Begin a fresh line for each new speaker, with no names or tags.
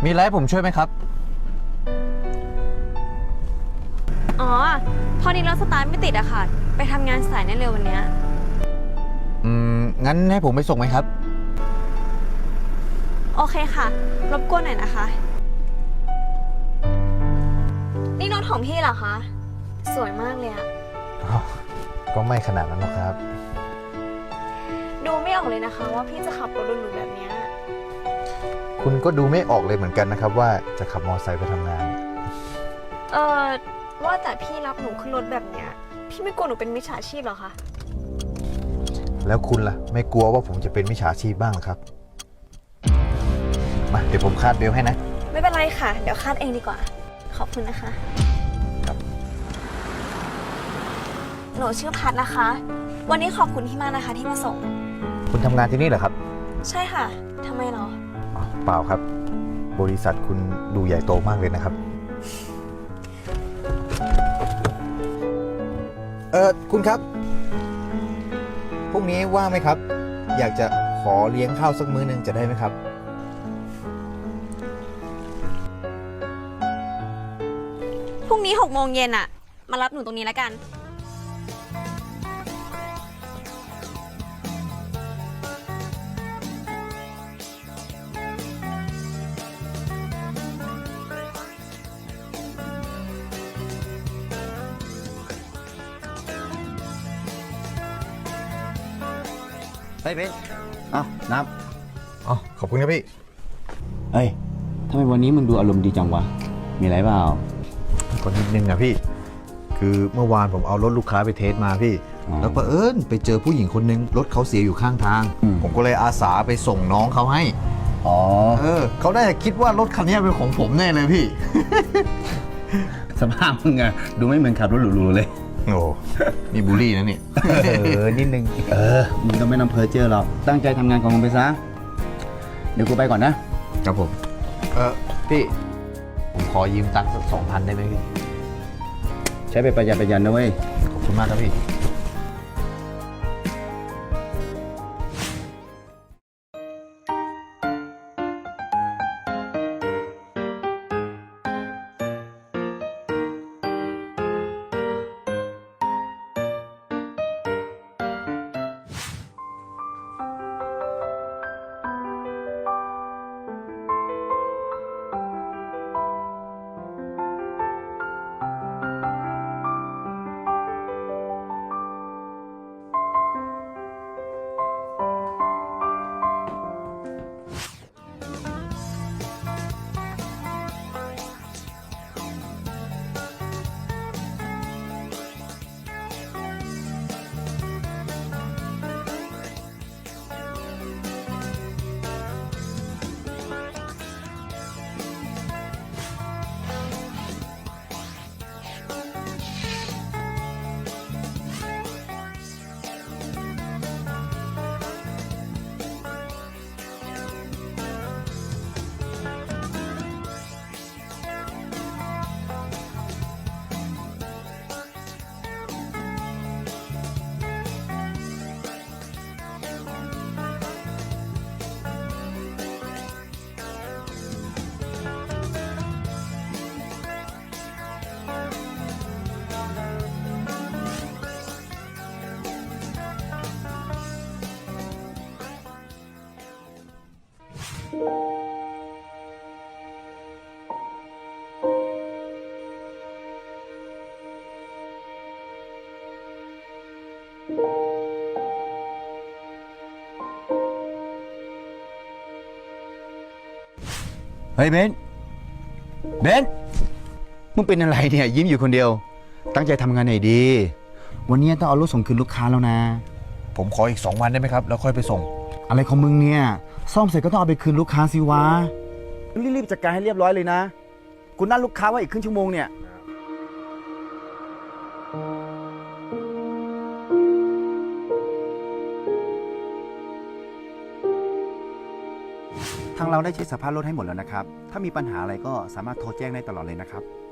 มีอะไรให้ผมช่วยไหมครับ
อ๋อ พอดีรถสตาร์ทไม่ติดอะค่ะ ไปทำงานสายแน่เร็ววันเนี้ย
งั้นให้ผมไปส่งไหมครับ
โอเคค่ะ รบกวนหน่อยนะคะ นี่รถของพี่เหรอคะ สวยมากเลยอะ
ก็ไม่ขนาดนั้นหรอกครับ
ดูไม่ออกเลยนะคะว่าพี่จะขับรถหรูๆแบบเนี้ย
คุณก็ดูไม่ออกเลยเหมือนกันนะครับว่าจะขับมอเตอร์ไซค์ไปทำงาน
เออว่าแต่พี่รับหนูขึ้นรถแบบเนี้ย พี่ไม่กลัวหนูเป็นมิจฉาชีพเหรอคะ
แล้วคุณล่ะ ไม่กลัวว่าผมจะเป็นมิจฉาชีพบ้างเหรอครับ มาเดี๋ยวผมคาดเบลต์ให้นะ
ไม่เป็นไรค่ะ เดี๋ยวคาดเองดีกว่า ขอบคุณนะคะ
ครับ
หนูชื่อพัดนะคะ วันนี้ขอบคุณที่มากนะคะที่มาส่ง
คุณทำงานที่นี่เหรอครับ
ใช่ค่ะทำไมเหรอ
อ๋อเปล่าครับ บริษัทคุณดูใหญ่โตมากเลยนะครับ คุณครับ พรุ่งนี้ว่างไหมครับ อยากจะขอเลี้ยงข้าวสักมื้อนึงจะได้ไหมครับ
พรุ่งนี้6 โมงเย็นอะมารับหนูตรงนี้แล้วกัน
เฮ้ยเบนเอ้านับ
อ๋อ ขอบคุณครับพี่
เฮ้ยทำไมวันนี้มึงดูอารมณ์ดีจังวะ มีอะไรเปล่า
ก็นิดนึงอะพี่ คือเมื่อวานผมเอารถลูกค้าไปเทสมาพี่
อ๋อ
แล้วเผอิญไปเจอผู้หญิงคนนึงรถเขาเสียอยู่ข้างทาง
อืม
ผมก็เลยอาสาไปส่งน้องเขาให้
อ๋อ
เขาได้คิดว่ารถคันนี้เป็นของผมแน่เลยพี่
สภาพมึงอะดูไม่เหมือนขับรถหรูๆเลย
โอ้นี่บูลลี่นะเนี่ย นิดนึง
มึงก็ไม่ต้องเพ้อเจ้อหรอก ตั้งใจทำงานของมึงไปซะ เดี๋ยวกูไปก่อนนะ
ครับผม พี่ ผมขอยืมตังค์สัก2,000ได้ไหมพี่
ใช้ไปประหยัดนะเว้ย
ขอบคุณมากครับพี่
เฮ้ยเบนมึงเป็นอะไรเนี่ยยิ้มอยู่คนเดียว ตั้งใจทำงานหน่อยดี วันนี้ต้องเอารถส่งคืนลูกค้าแล้วนะ
ผมขออีก2 วันได้ไหมครับ แล้วค่อยไปส่ง
อะไรของมึงเนี่ย ซ่อมเสร็จก็ต้องเอาไปคืนลูกค้าสิวะ รีบๆจัดการให้เรียบร้อยเลยนะ กูนัดลูกค้าไว้อีกครึ่งชั่วโมงเนี่ย ทางเราได้เช็คสภาพรถให้หมดแล้วนะครับ ถ้ามีปัญหาอะไรก็สามารถโทรแจ้งได้ตลอดเลยนะครับ